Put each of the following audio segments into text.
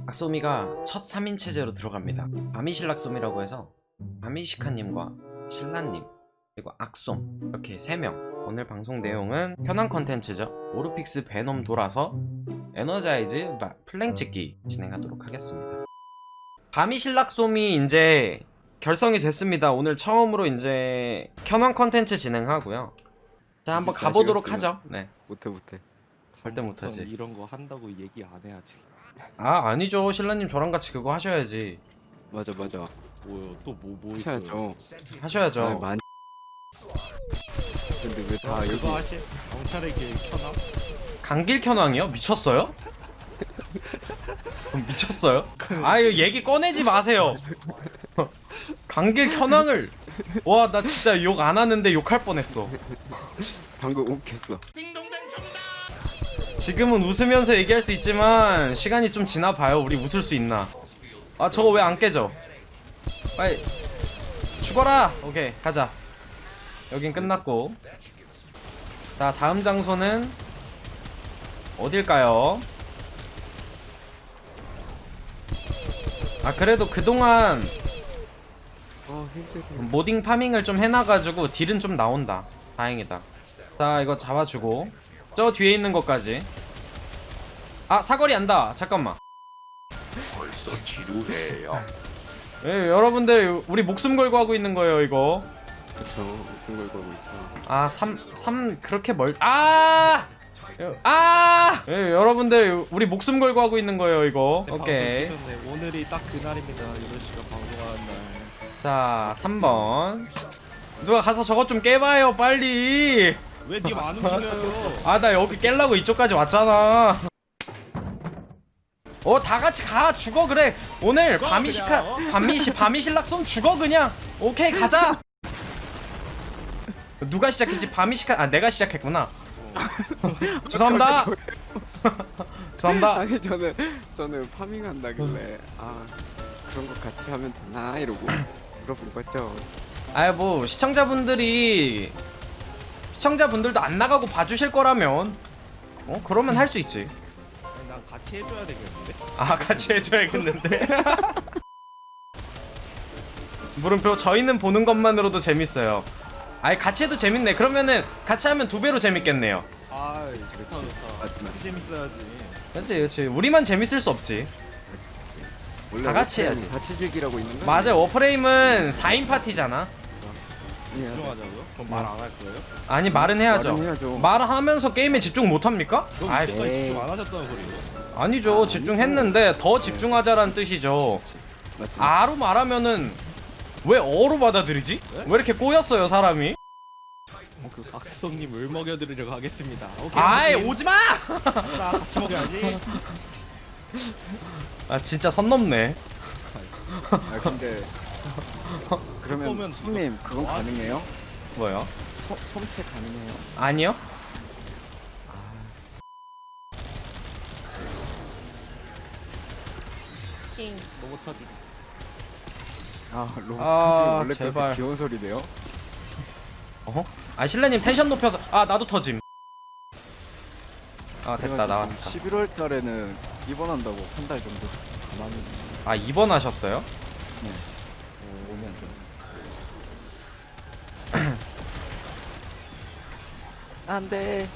악소미가 첫 3인 체제로 들어갑니다. 바미실락솜이라고 해서 바미시카님과 신라님 그리고 악솜 이렇게 3명. 오늘 방송 내용은 현황 컨텐츠죠. 오르픽스 베놈 돌아서 에너자이즈 플랭 찍기 진행하도록 하겠습니다. 바미실락솜이 이제 결성이 됐습니다. 오늘 처음으로 이제 현황 컨텐츠 진행하고요. 자, 한번 가보도록 하죠. 네. 못해. 절대 못하지. 이런 거 한다고 얘기 안 해야지. 아, 아니죠. 신라님 저랑 같이 그거 하셔야지. 맞아. 뭐요? 또 뭐 있어요? 하셔야죠. 하셔야죠. 아, 많이. 근데 왜 다 여기 그거 하실? 경찰의 길 켜나? 강길 현황이요? 미쳤어요? 미쳤어요? 아, 이거 얘기 꺼내지 마세요. 강길 현황을 와, 나 진짜 욕 안 하는데 욕할 뻔했어. 방금 욱했어. 지금은 웃으면서 얘기할 수 있지만 시간이 좀 지나봐요. 우리 웃을 수 있나? 아, 저거 왜 안 깨져? 빨리 죽어라. 오케이, 가자. 여긴 끝났고, 자, 다음 장소는 어딜까요? 아, 그래도 그동안 힘들게. 모딩 파밍을 좀 해놔가지고 딜은 좀 나온다. 다행이다. 자, 이거 잡아주고 저 뒤에 있는 것까지. 아, 사거리 안다. 잠깐만. 벌써 지루해요. 예, 여러분들 우리 목숨 걸고 하고 있는 거예요 이거. 그쵸. 무슨 걸 걸고 있어. 아, 3 그렇게 예, 여러분들 우리 목숨 걸고 하고 있는 거예요 이거. 오케이. 오늘이 딱 그날입니다. 이런 시간 방송하는 날. 자, 3번 누가 가서 저것 좀 깨봐요 빨리. 왜 님 안 움직여요? 아, 나 여기 깰라고 이쪽까지 왔잖아. 다같이 가. 죽어. 그래, 오늘 바미실락솜 죽어 그냥. 오케이, 가자. 누가 시작했지? 바미시카. 내가 시작했구나. 죄송합니다. 죄송합니다. 아니 저는 파밍한다길래 그런 거 같이 하면 되나 이러고 물어본 거죠. 아이, 뭐 시청자분들도 안 나가고 봐주실 거라면 그러면 할 수 있지. 아니, 난 같이 해줘야 되겠는데? 아, 같이 해줘야겠는데. 물음표. 저희는 보는 것만으로도 재밌어요. 아니, 같이 해도 재밌네. 그러면은 같이 하면 2배로 재밌겠네요. 아, 좋다. 같이 재밌어야지. 그렇지. 우리만 재밌을 수 없지. 원래 다 같이 워프레임 해야지. 같이 즐기라고 있는 거. 맞아, 워프레임은 4인 파티잖아. 집중하자고요? 그럼 말 안 할 거예요? 아니, 말은 해야죠. 말은 해야죠. 말하면서 게임에 집중 못 합니까? 그럼 아이, 이때까지 에이. 집중 안 하셨다는 소리예요? 아니죠. 집중했는데 더 집중하자라는 뜻이죠. 맞지. 아로 말하면은 왜 어로 받아들이지? 네? 왜 이렇게 꼬였어요 사람이? 그 박수성님을 먹여드리려고 하겠습니다. 오케이. 아이, 형님. 오지마! 자, 같이 먹여야지. 아, 진짜 선 넘네. 근데 그러면 보면 손님 그건 가능해요? 뭐요? 솜체 가능해요? 아니요? 로봇 터지. 로봇 아, 원래 제발. 그렇게 귀여운 소리네요. 아, 실내님 텐션 높여서. 아, 나도 터짐. 아, 됐다. 나왔다. 11월 달에는 입원한다고 한 달 정도 가만히. 아, 입원하셨어요? 네. 오면 좀. 안돼.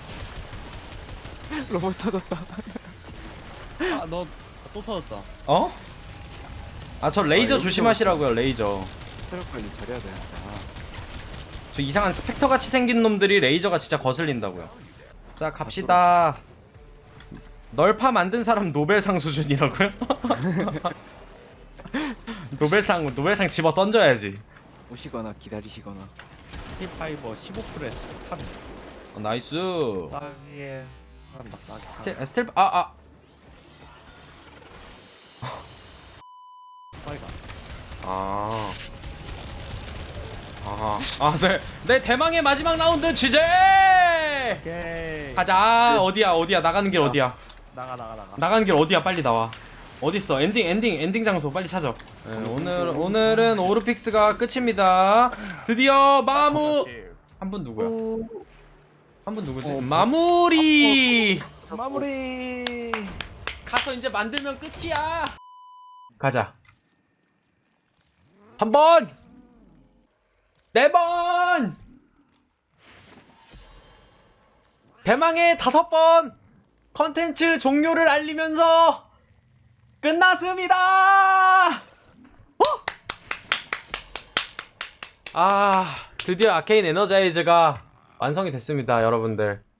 로봇 터졌다. 아, 너 또 터졌다. 어? 아, 저 레이저 여기서- 조심하시라고요. 레이저. 체력 관리 잘해야 돼. 저 이상한 스펙터 같이 생긴 놈들이 레이저가 진짜 거슬린다고요. 자, 갑시다. 널파 만든 사람 노벨상 수준이라고요? 노벨상 집어 던져야지. 오시거나 기다리시거나. 힐파이버 15 프레스 판. 나이스. 싸게 한다. 싸게. 스텔 싸이가. 네. 내 대망의 마지막 라운드 지제. 오케이. 가자. 어디야? 나가는 길 어디야? 나가. 나가는 길 어디야? 빨리 나와. 어딨어? 엔딩 장소 빨리 찾아. 네, 오늘은 오르픽스가 끝입니다. 드디어 마무. 한 분 누구야? 한 분 누구지? 마무리. 마무리. 가서 이제 만들면 끝이야. 가자. 3번! 4번! 대망의 5번! 컨텐츠 종료를 알리면서 끝났습니다! 아, 드디어 아케인 에너자이즈가 완성이 됐습니다, 여러분들.